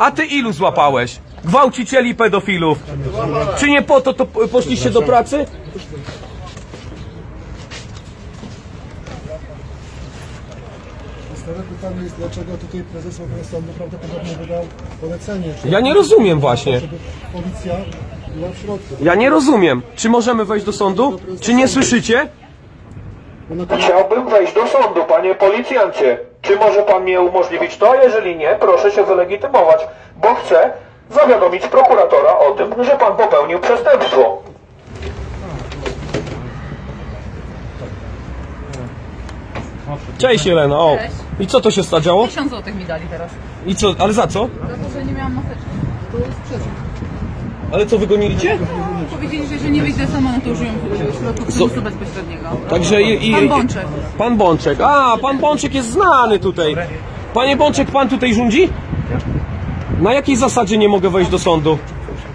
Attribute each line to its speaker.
Speaker 1: A ty ilu złapałeś? Gwałcicieli, pedofilów. Czy nie po to poszliście do pracy?
Speaker 2: Stare pytanie jest, dlaczego tutaj prezes sądu prawdopodobnie wydał polecenie.
Speaker 1: Ja nie rozumiem właśnie.
Speaker 2: Żeby policja była w środku.
Speaker 1: Ja nie rozumiem. Czy możemy wejść do sądu? Czy nie słyszycie? Chciałbym wejść do sądu, panie policjancie. Czy może pan mnie umożliwić to? Jeżeli nie, proszę się wylegitymować, bo chcę zawiadomić prokuratora o tym, że pan popełnił przestępstwo. Cześć Jelena, o.
Speaker 3: Cześć.
Speaker 1: I co to się stało?
Speaker 3: 1000 złotych mi dali teraz.
Speaker 1: I co, ale za co?
Speaker 3: Za to, że nie miałam maseczki.
Speaker 1: Ale co, wygonilicie?
Speaker 3: Powiedzieli, że jeżeli nie wyjdę sama, no to użyją środków przymusu bezpośredniego.
Speaker 1: Także
Speaker 3: Pan Bączek.
Speaker 1: Pan Bączek. A, pan Bączek jest znany tutaj. Panie Bączek, pan tutaj rządzi? Na jakiej zasadzie nie mogę wejść do sądu?